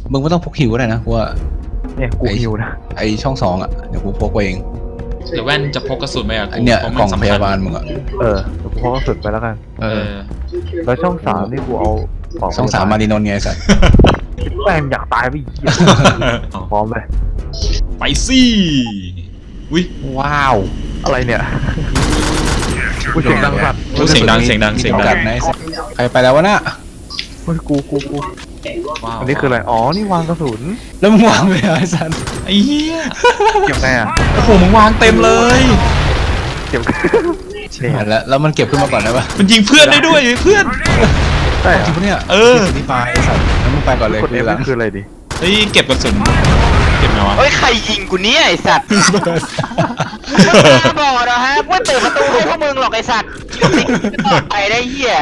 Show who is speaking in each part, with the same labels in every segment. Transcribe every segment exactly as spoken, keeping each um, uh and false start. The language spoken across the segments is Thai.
Speaker 1: มึงไม่ต้องพกหิวก็ได้นะว่า
Speaker 2: เนี่ยกูหิวนะ
Speaker 1: ไอช่องสองอ่ะเดี๋ยวกูพกไปเอง
Speaker 3: หรือแว่นจะพกกระสุนไหมอ่ะกู
Speaker 1: เนี่ยกล่องพยาบาลมึงอ่ะ
Speaker 2: เออกูพกกระสุนไปแล้วกัน
Speaker 1: เออ
Speaker 2: แล้วช่องสามนี่กูเอา
Speaker 1: ช่องสามมาดีนนท์ไงสัตว์
Speaker 2: แม่งอยากตายไปอีกพร้อมเลย
Speaker 3: ไปสิอุ้ย
Speaker 1: ว้าว
Speaker 2: อะไรเนี่ยกูเสียงดังสัตว์
Speaker 3: เสียงดังเสียงดังเสียงดัง
Speaker 1: ใครไปแล้ววะน่ะ
Speaker 2: เฮ้ยกูกูกูอันนี้คืออะไรอ๋อนี่วางกระสุน
Speaker 1: แล้วมึงวางไปไอ้สัน
Speaker 3: ไอ้เหี้ย
Speaker 2: เก็บไงอ่ะ
Speaker 3: โอ้โหมึงวางเต็มเลย
Speaker 2: เก็บ
Speaker 1: เนี่ยแล้วแล้วมันเก็บขึ้นมาก่อนได้ปะ
Speaker 3: มันยิงเพื่อนได้ด้วยเพื่อน
Speaker 1: ใช่จริงปะเนี่ย
Speaker 3: เออ
Speaker 1: นี่ไปไอ้สันแล้วมึงไปก่อนเลย
Speaker 2: คือหลังคืออะไรดิ
Speaker 3: เฮ้ยเก็บกระสุนเก็บไงวะ
Speaker 4: เฮ้ยใครยิงกูเนี่ยไอสัตว์บอกนะฮะว่าเปิดประตูให้พวกมึงหรอกไอสัตว์ไปได้เหี้ย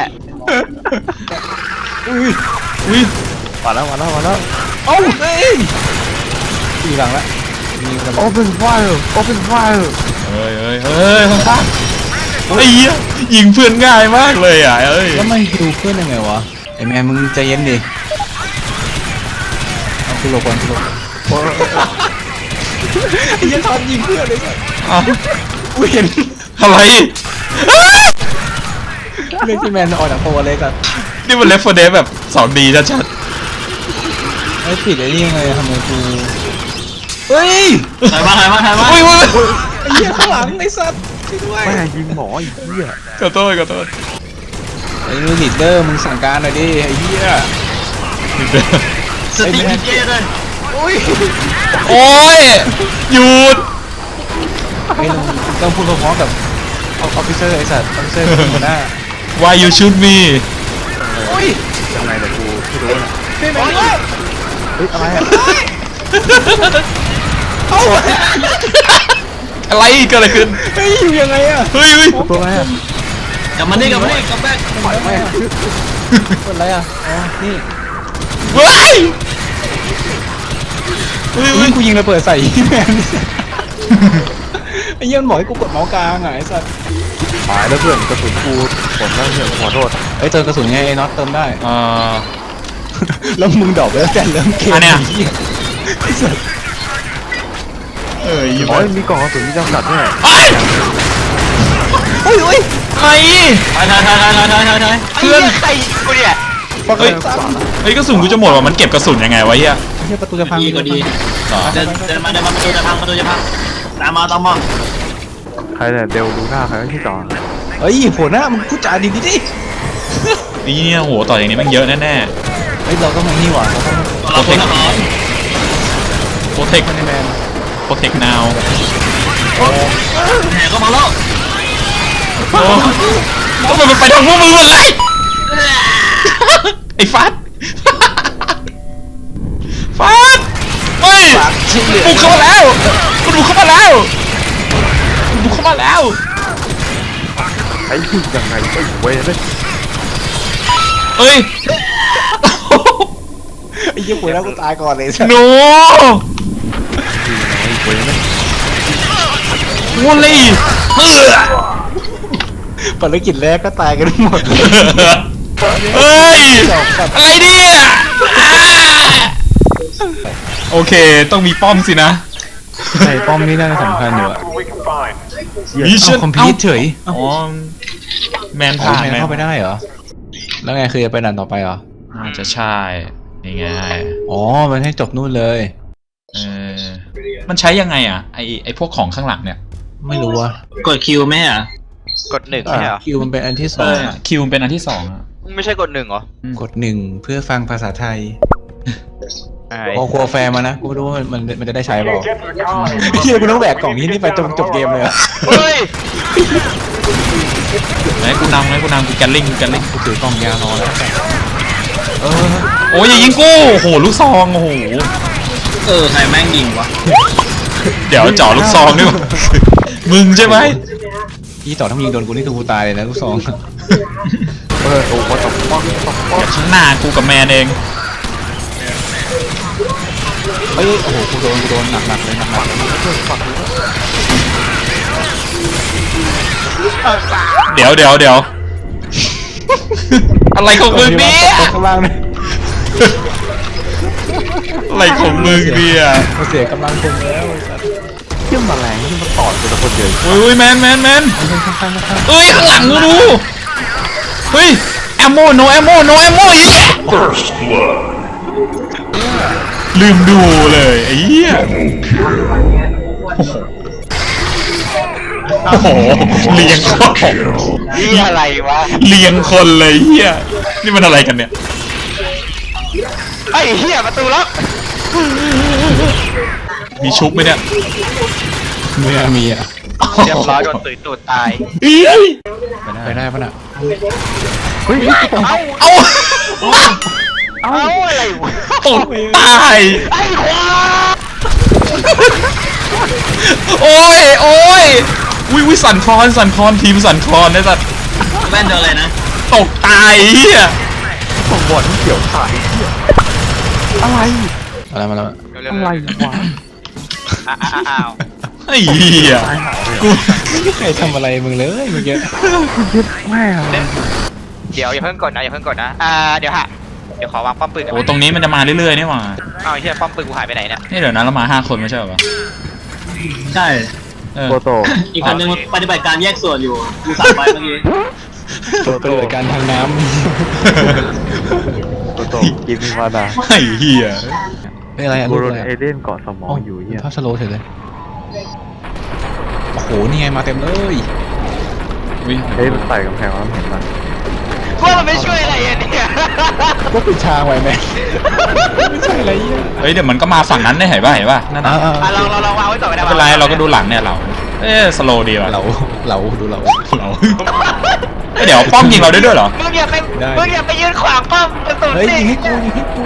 Speaker 1: อุ้ย
Speaker 3: อุ้ย
Speaker 2: มาแล้วมาแล้วมาแล้ว
Speaker 1: เอ้าเฮ้ยตีหลังละ
Speaker 2: โอเพนไฟร์โอเพนไฟร์
Speaker 3: เฮ้ยเฮ้ยเฮ้ยข้างๆไอ้เหี้ยยิงเพื่อนง่ายมากเลยอ่ะเอ้ย
Speaker 1: แล้วมันฮิวเพื่อนยังไงวะไอแม่มึงใจเย็นดิเอาคุณโลก่อนคุณโลไอ้ยันทอนยิงเพื่อนเลยอ่ะกูเห็น
Speaker 3: อะไร
Speaker 1: เรื่องที่แมนออกจากตัวเลยกัน
Speaker 3: นี่มันเลฟโฟเดสแบบสองดีชัด
Speaker 1: ๆไอ้ผิดไอ้นี่ยังไงทำไมกูเฮ้ย
Speaker 4: ถ่ายมาถ่ายมาถ่ายมา
Speaker 3: อุ้ยอุ้ย
Speaker 1: ไอ้เหี้ยข้างหลังไอ้สัตว์ช่วยด้วย
Speaker 2: แม่ยิงหมออีกเหี้ย
Speaker 3: ขอโทษขอโทษ
Speaker 1: ไอ้ลูกลีดเดอร์มึงสั่งการหน่อยดิไอ้เหี้ย
Speaker 4: สติเย็นเลย
Speaker 1: อุ้ย
Speaker 3: โอ้ยหยุด
Speaker 1: ไอ้ต้องพูดพร้อมๆกับออฟฟิเซอร์ไอ้สัตว์ออฟฟิเซอร์คนหน้า
Speaker 3: Why you shoot me
Speaker 1: อุ้ย
Speaker 2: ยังไงแต่กูไม่รู้นะ
Speaker 1: เฮ้ย
Speaker 2: อะไรอะ
Speaker 3: อะไรเกิดอะไรขึ้น
Speaker 1: เฮ้ยอยู่ยังไงอะ
Speaker 3: เฮ้ยเฮ้ย
Speaker 2: ตัวอะไรอะ
Speaker 4: กลับมานี่กลับมานี่กลับแบก
Speaker 1: ปล่อยไหมคนอะไรอะอ๋อนี่
Speaker 3: เฮ้ย
Speaker 1: เฮ้ยกูยิงระเบิดใส่แมนไอ้เหี้ยมันบอกให้กูกดเมาส์กลางไอ้สัตว์
Speaker 2: หายแล้วเพื่อนกระสุนกูหมดแล้วเพื่อนขอโทษ
Speaker 1: เอ้ยเติมกระสุนไงไอ้น็อตเติมได้
Speaker 3: อ่า
Speaker 1: แล้วมึงดอกไปแล้วแต่เริ่มเกม
Speaker 3: อันเนี้ย
Speaker 2: เอ้ยโอ้ยมีกล่องกระสุนมีจำกัดด้วย
Speaker 3: เฮ้ยเฮ้ยเฮ้ย
Speaker 4: ถ่ายถ่ายถ่ายถ่ายถ่ายถ่ายถ่ายเพื่อนใครกูเนี่ย
Speaker 3: เฮ้ยเฮ้ยกระสุนกูจะหมดว่ะมันเก็บกระสุนยังไงวะเฮีย
Speaker 1: เฮียประตูจะพัง
Speaker 4: ก็ดีเดินเดินมาเดินมาประตูจะพังประตูจะพังตามมาตามมา
Speaker 2: ใครเนี่ยเดลดูหน้าใครที่ต่อ
Speaker 1: เฮ้ยโผล่หน้ามึงพูดจาดีดีดิ
Speaker 3: นี่เนี่ยโหต่ออย่างนี้มันเยอะแน่แน่
Speaker 1: เฮ้ยเราต้องมานี่หว่า
Speaker 3: เราต้องโปรเทคโปรเทคแมนโปรเทคนาว
Speaker 4: แหนก็มาแล้ว
Speaker 3: ก็มันไปทางพวกมึงเลยไอ้ฟัดฟัดเฮ้ยบุกเข้ามาแล้วมันบุกเข้ามาแล้วบุกเข้ามาแล้ว
Speaker 2: ไอ้ยิงยังไงไอ้เว้ยเลย
Speaker 3: เอ้ย
Speaker 1: ไอ้ยี่ปุ๋ยแล้วกูตายก่อนเลย
Speaker 3: โน้
Speaker 2: ไอ้เว้ยเลย
Speaker 3: วูลี่เฮ้ย
Speaker 1: ภารกิจแรกก็ตายกันหมด
Speaker 3: เฮ้ยอะไรเนี่ยโอเคต้องมีป้อมสินะ
Speaker 1: ไอ้ป้อมนี่น่าจะสำคัญอยู่อะ
Speaker 3: มิชชั่น
Speaker 1: คอมพิวเฉย
Speaker 3: อ๋อแมนผ่าน
Speaker 1: แมนเข้าไปได้เหรอแล้วไงคือจะไปด่านต่อไปเหรอ
Speaker 3: น่าจะใช่ยังไง
Speaker 1: อ๋อมันให้จบนู่นเลย
Speaker 3: เออมันใช้ยังไงอ่ะไอไอพวกของข้างหลังเนี่ย
Speaker 1: ไม่รู้ว่ะ
Speaker 4: กดคิวไหมอ่ะกดหนึ่งใช่เหรอ
Speaker 1: คิวมันเป็นอันที่สอง
Speaker 3: คิวมันเป็นอันที่สองอ่ะ
Speaker 4: ไม่ใช่กดหนึ่งเหร
Speaker 1: อกดหนึ่งเพื่อฟังภาษาไทยพอครัวแฟร์มานะกูไม่รู้ว่ามันมันจะได้ใช้เปล่าเฮียกูต้องแบกกล่องนี้นี่ไปจนจบเกมเลย
Speaker 4: เฮ้ย
Speaker 3: ไหนกูนำไหนกูนำกูแกลลิงกูแกลลิง
Speaker 1: กูถือกล่องยารอแล้ว
Speaker 3: เออโอ้ยอย่ายิงกูโอ้โหลูกซองโอ้โห
Speaker 4: เออใครแม่งยิงวะ
Speaker 3: เดี๋ยวจ่อลูกซองนี่มึงใช่ไหม
Speaker 1: ยี่ต่อถ้ายิงโดนกูนี่คือกูตายเลยนะลูกซอง
Speaker 2: เออโอ้โหตบป้องตบป้อง
Speaker 3: ข้างหน้ากูกับแมนเอง
Speaker 1: เฮ้ยโอ้โหกูโดนกูโดนหนักๆเลยหนักๆ
Speaker 3: เดี๋ยวเดี๋ยวเดี๋ยวอะไรของมึงเนี่ย
Speaker 1: ข้างล่างเลย
Speaker 3: อะไรของมึงเนี่ย
Speaker 1: เสียกำลังคนแล้วไอ้สัตว์
Speaker 2: เชื่อมแมลงที่มันตอดกูแต่คนเดียว
Speaker 3: โอ้ยโอ้ยแมนแมนแมน
Speaker 1: ข้างๆข้าง
Speaker 3: เอ้ยข้างหลังกูดูเฮ้ยแอมโมโนแอมโมโนแอมโมอีกลืมดูเลยไอ้เหี้ยโอ้โหเลียงคน
Speaker 4: นี่อะไรวะ
Speaker 3: เลียงคนเลยเหี้ยนี่มันอะไรกันเนี่ย
Speaker 4: ไอ้เหี้ยประตูล็อก
Speaker 3: มีชุบไหมเนี่ย
Speaker 1: ๆไม่น่ามีอ่ะ
Speaker 4: เรียบร้อยโดนตุยตูดตาย
Speaker 1: ไปได้ปะน่ะ
Speaker 2: เฮ้ย
Speaker 4: เอ้า
Speaker 3: เอา
Speaker 4: เอ้าอะไรวะ
Speaker 3: ตกตาย
Speaker 4: ไอ้ควาย
Speaker 3: โอ้ยโอ้ยวิวิสันคลอนสันคลอนทีมสันคลอนไอ้สัตว์
Speaker 5: แว่นโดนอะไรนะ
Speaker 3: ตกตายเหี้ย
Speaker 2: ผมบอดที่เกี่ยวขายอะไร
Speaker 1: อะไรมาแล้ว
Speaker 2: อะไรวะ
Speaker 4: อ้าว
Speaker 3: ไอ้เหี้ยกู
Speaker 1: ไม่มีใครทำอะไรมึงเลยเมื่อกี้
Speaker 2: ยึดแม่
Speaker 4: เดี๋ยวอย่าเพิ่งกดนะอย่าเพิ่งกดนะอ่าเดี๋ยวฮะเดี๋ยวขอวางป้อมปืนกัน
Speaker 3: โอ้ตรงนี้มันจะมาเรื่อยๆนี่หว่า
Speaker 4: เอาไอ้เหี้ยป้อมปืนกูหายไปไหนเนี่ย
Speaker 3: นี่เดี๋ยวนะเรามาห้าคนไม่ใช่เหรอ
Speaker 5: ใช่
Speaker 3: เออ
Speaker 2: โตโต
Speaker 5: อีกคนนึงปฏิบัติการแยกส่วนอยู่ดูสามใบเมื่อกี้
Speaker 1: ตัวปฏิบัติการทางน้
Speaker 2: โตโตกินมาดา
Speaker 3: ไอ้เหี้ย
Speaker 1: ำเป็นอะไรอ่ะ
Speaker 2: กู
Speaker 1: รูป
Speaker 2: โด
Speaker 1: อะ
Speaker 2: น
Speaker 1: ไร
Speaker 2: เอ
Speaker 1: อ่ะ
Speaker 2: เดนเกาะสมองอยู่
Speaker 1: เป็น
Speaker 2: เหี้ย
Speaker 1: ภาพสโลว์เฉยเลยโอ้โหนี่ไงมาเต็มเลย
Speaker 3: วิ
Speaker 2: เฮ้ยมันใส่กำแพงแล้วเห็นปะ
Speaker 4: พวกมันไม่ช่วยอะไรอ่ะเนี่ย
Speaker 1: ก็ปิดทางไว้แม่ไม่ใช่อะไรเนี่ย
Speaker 3: เฮ้ยเดี๋ยวมันก็มาฝั่งนั้นได้เห็นป่ะเห็นป่ะนั่น
Speaker 1: อ่า
Speaker 3: น่ะ
Speaker 4: อ่ะลองลองลองวางไว้ก่อนก็ได้
Speaker 3: ไม่เป็นไรเราก็ดูหลังเนี่ยเราเอ๊ะสโลดีว่ะ
Speaker 1: เราเราดูเรา
Speaker 3: เราเอ้ยเดี๋ยวป้อมยิงเราได้ด้วยเหรอ
Speaker 4: มึงอย่าไป
Speaker 1: ได้
Speaker 4: มึงอย่าไปยืนขวางป้อมประตู
Speaker 1: เฮ้ย
Speaker 4: สิ
Speaker 1: ยิงให้กูยิงให้กู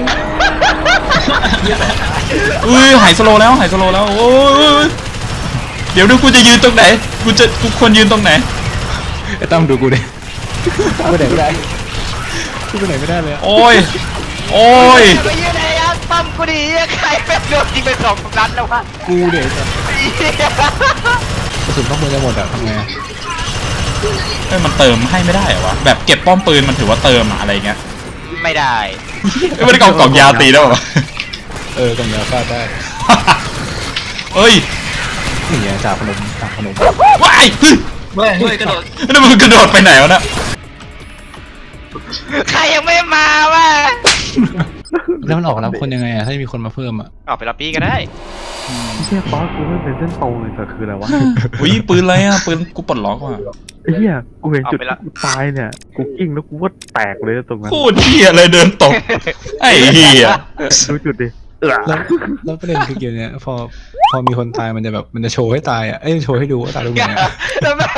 Speaker 3: อุ้ยหายสโลแล้วหายสโลแล้วโอ้ยเดี๋ยวดูกูจะยืนตรงไหนกูจะกูควรยืนตรงไหน
Speaker 1: ไอ้ตั้มดูกูดิกูไปไหนไม่ได้กูไปไหนไม่ได้เลยอะ
Speaker 3: โอ้ยโอ้ย
Speaker 4: อย่าไปยืนในยักษ์ป้อมกูดิใครเป็นโดนยิงไปสองนัดแล้ววะ
Speaker 1: กูเดี๋ยวจะ
Speaker 4: ไอ้เหี้ย
Speaker 1: กระสุนต้องมือจะหมดอะทำไงอะ
Speaker 3: เอ้ยมันเติมให้ไม่ได้เหรอวะแบบเก็บป้อมปืนมันถือว่าเติมอะอะไรเงี้ย
Speaker 4: ไม่ได้
Speaker 3: เอ้ยไม่ได้กล่องกล่องยาวตีได้ป่ะ
Speaker 1: เออกำยาฟาดได้
Speaker 3: เอ้ย
Speaker 1: นี่ไงจ่าพนมจ่าพนม
Speaker 3: ว้ายเฮ้ย
Speaker 5: เฮ้ยเฮ้ยกระโดด
Speaker 3: แล้วมันกระโดดไปไหนวะน่ะ
Speaker 4: ใครยังไม่มาวะ
Speaker 1: แล้วมันออกรับคนยังไงอะถ้ามีคนมาเพิ่มอะ
Speaker 4: ออกไปรับปี้ก็ได้
Speaker 2: เชี่ยป๊อกูไม่เป็นเส้นตรงเลยแต่คืออะไรวะ
Speaker 3: อุ้ยปืนอะไรอ่ะปืนกูปลดล็อกว่ะ
Speaker 2: ไอ้เหี้ยกูเห็นจุดที่กูตายเนี่ยกูกิ้งแล้วกูว่าแตกเลยตรงนั้น
Speaker 3: โคตรเหี้ยเลยเดินตกไอ้เหี้ย
Speaker 2: ดูจุดดิเออ
Speaker 1: แล้วแล้วประเด็นคือเกมเนี้ยพอพอมีคนตายมันจะแบบมันจะโชว์ให้ตายอะเอ้ยโชว์ให้ดูว่าตายตรงไหนอะ
Speaker 4: แล้วมัน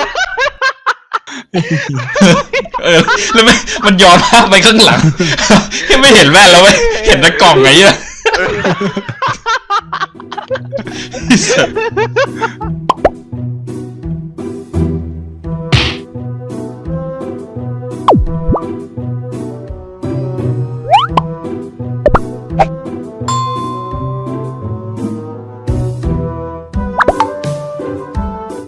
Speaker 3: เออแล้วไม่มันย้อนภาพไปข้างหลังยังไม่เห็นแว่นแล้วเว้ยเห็นแต่กล่องไงเนี่ย